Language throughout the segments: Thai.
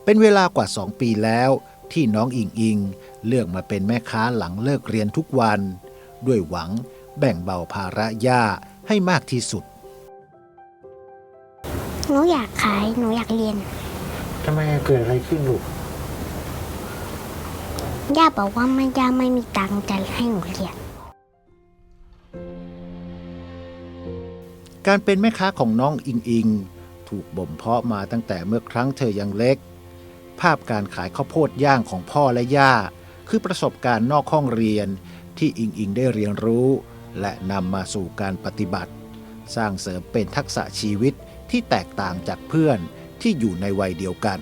เป็นเวลากว่า2 ปีแล้วที่น้องอิงอิงเลือกมาเป็นแม่ค้าหลังเลิกเรียนทุกวันด้วยหวังแบ่งเบาภาระย่าให้มากที่สุดหนูอยากขายหนูอยากเรียนทำไมเกิดอะไรขึ้นลูกย่าบอกว่าย่าไม่มีตังค์จะให้หนูเรียนการเป็นแม่ค้าของน้องอิงอิงถูกบ่มเพาะมาตั้งแต่เมื่อครั้งเธอยังเล็กภาพการขายข้าวโพดย่างของพ่อและย่าคือประสบการณ์นอกห้องเรียนที่อิงอิงได้เรียนรู้และนำมาสู่การปฏิบัติสร้างเสริมเป็นทักษะชีวิตที่แตกต่างจากเพื่อนที่อยู่ในวัยเดียวกัน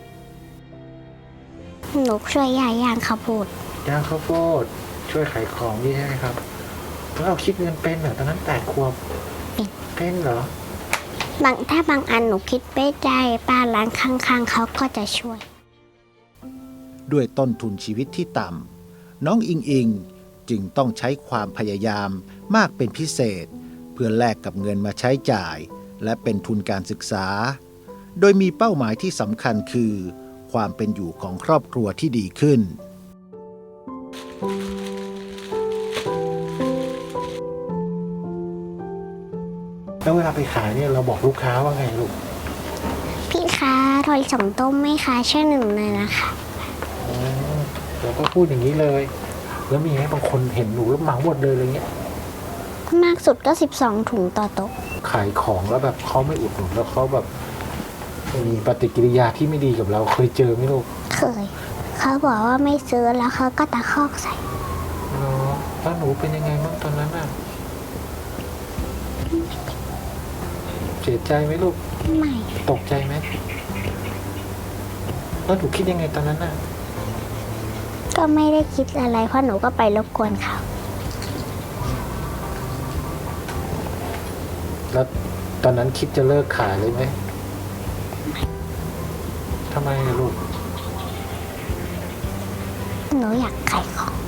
หนูช่วยย่าย่างข้าวโพดช่วยขายของนี่ใช่ไหมครับแล้วเราคิดเงินเป็นเหรอตอนนั้น8 ขวบเป็นเหรอถ้าบางอันหนูคิดไม่ได้ป้าร้านข้างๆเขาก็จะช่วยด้วยต้นทุนชีวิตที่ต่ำน้องอิงอิงจึงต้องใช้ความพยายามมากเป็นพิเศษเพื่อแลกกับเงินมาใช้จ่ายและเป็นทุนการศึกษาโดยมีเป้าหมายที่สำคัญคือความเป็นอยู่ของครอบครัวที่ดีขึ้นแล้วเวลาไปขายเนี่ยเราบอกลูกค้าว่าไงลูกพี่คะถอย2 ต้มไหมคะช่วย1เลยนะคะเราก็พูดอย่างนี้เลยแล้วมีไหมบางคนเห็นหนูแล้วเหมาหมดเลยอะไรเงี้ยมากสุดก็12 ถุงต่อโต๊ะขายของแล้วแบบเขาไม่อุดหนุนแล้วเขาแบบมีปฏิกิริยาที่ไม่ดีกับเราเคยเจอไหมลูกเคยเขาบอกว่าไม่ซื้อแล้วเขาก็ตะคอกใส่แล้วหนูเป็นยังไงบ้างตอนนั้นน่ะเสียใจไหมลูกไม่ตกใจไหมแล้วหนูคิดยังไงตอนนั้นน่ะก็ไม่ได้คิดอะไรเพราะหนูก็ไปรบกวนเขาแล้วตอนนั้นคิดจะเลิกขายเลยไหมทำไมลูกหนูอยากขายของ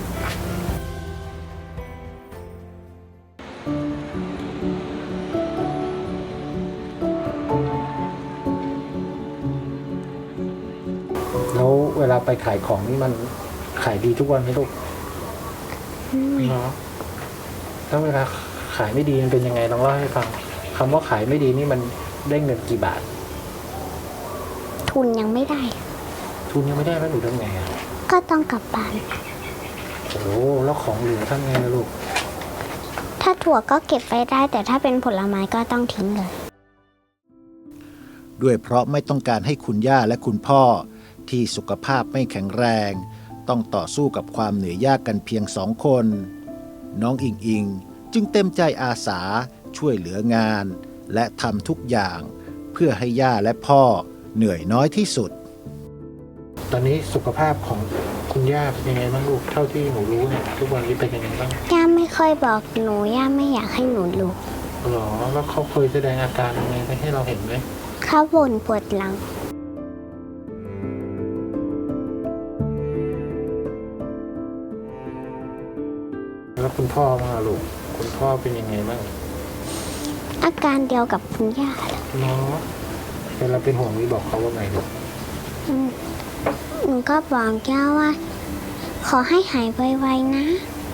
แล้วเวลาไปขายของนี่มันขายดีทุกวันไหมลูกเนาะแล้วเวลาขายไม่ดีมันเป็นยังไงลองเล่าให้ฟังคำว่าขายไม่ดีนี่มันได้เงินกี่บาททุนยังไม่ได้แล้วหนูทำไงอ่ะก็ต้องกลับบ้านโอ้แล้วของเหลือทำไงนะลูกถ้าถั่วก็เก็บไว้ได้แต่ถ้าเป็นผลไม้ก็ต้องทิ้งเลยด้วยเพราะไม่ต้องการให้คุณย่าและคุณพ่อที่สุขภาพไม่แข็งแรงต้องต่อสู้กับความเหนื่อยยากกันเพียง2 คนน้องอิงอิงจึงเต็มใจอาสาช่วยเหลืองานและทำทุกอย่างเพื่อให้ย่าและพ่อเหนื่อยน้อยที่สุดตอนนี้สุขภาพของคุณย่าเป็นยังไงบ้างลูกเท่าที่หนูรู้เนี่ยทุกวันนี้เป็นยังไงบ้างย่าไม่ค่อยบอกหนูย่าไม่อยากให้หนูรู้หรอแล้วเขาเคยแสดงอาการยังไงให้เราเห็นไหมเขาบ่นปวดหลังแล้วคุณพ่อมาลูกคุณพ่อเป็นยังไงบ้างอาการเดียวกับคุณย่าเลยเนาะเวลาเป็นห่วงนี่บอกเขาว่าไงลูกหนูก็บอกย่าว่าขอให้หายไวๆนะ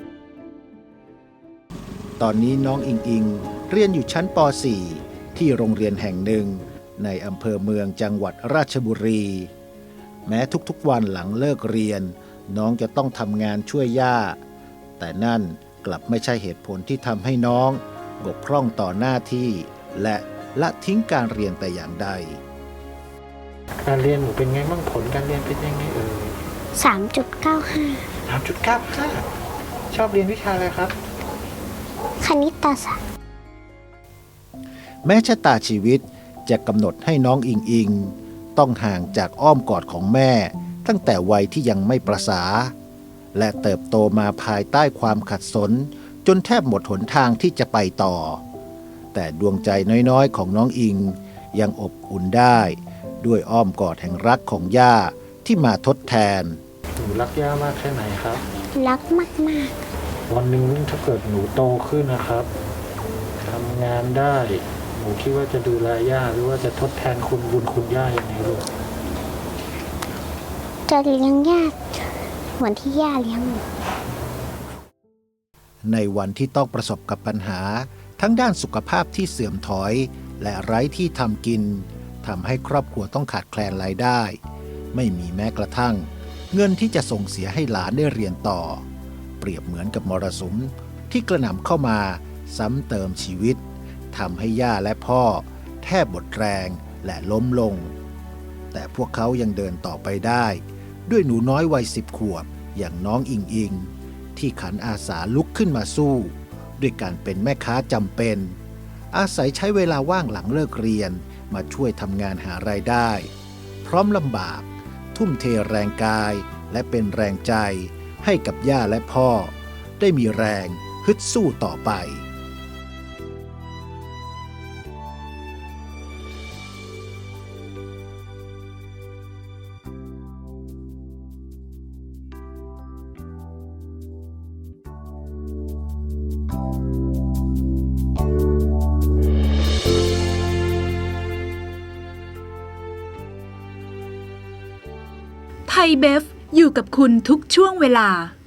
ตอนนี้น้องอิงอิงเรียนอยู่ชั้นป .4 ที่โรงเรียนแห่งหนึ่งในอำเภอเมืองจังหวัดราชบุรีแม้ทุกๆวันหลังเลิกเรียนน้องจะต้องทำงานช่วยย่าแต่นั่นกลับไม่ใช่เหตุผลที่ทำให้น้องบกพร่องต่อหน้าที่และละทิ้งการเรียนแต่อย่างใดการเรียนหนูเป็นไงบ้างผลการเรียนเป็นยังไง 3.95 3.95ชอบเรียนวิชาอะไรครับคณิตศาสตร์แม้ชะตาชีวิตจะกำหนดให้น้องอิงอิงต้องห่างจากอ้อมกอดของแม่ตั้งแต่วัยที่ยังไม่ประสาและเติบโตมาภายใต้ความขัดสนจนแทบหมดหนทางที่จะไปต่อแต่ดวงใจน้อยๆของน้องอิงยังอบอุ่นได้ด้วยอ้อมกอดแห่งรักของย่าที่มาทดแทนหนูรักย่ามากแค่ไหนครับรักมากๆวันหนึ่งถ้าเกิดหนูโตขึ้นนะครับทำงานได้หนูคิดว่าจะดูแลย่าหรือว่าจะทดแทนคุณบุญคุณย่ายังไงลูกจะเลี้ยงย่าเหมือนที่ย่าเลี้ยงหนูในวันที่ต้องประสบกับปัญหาทั้งด้านสุขภาพที่เสื่อมถอย และไร้ที่ทำกินทำให้ครอบครัวต้องขาดแคลนรายได้ ไม่มีแม้กระทั่ง เงินที่จะส่งเสียให้หลานได้เรียนต่อ เปรียบเหมือนกับมรสุมที่กระหน่ำเข้ามาซ้ำเติมชีวิตทำให้ย่าและพ่อแทบหมดแรงและล้มลง แต่พวกเขายังเดินต่อไปได้ ด้วยหนูน้อยวัย10 ขวบอย่างน้องอิงอิง ที่ขันอาสาลุกขึ้นมาสู้ ด้วยการเป็นแม่ค้าจำเป็น อาศัยใช้เวลาว่างหลังเลิกเรียนมาช่วยทำงานหารายได้ พร้อมลำบาก ทุ่มเทแรงกายและเป็นแรงใจให้กับย่าและพ่อ ได้มีแรงฮึดสู้ต่อไปไทยเบฟอยู่กับคุณทุกช่วงเวลา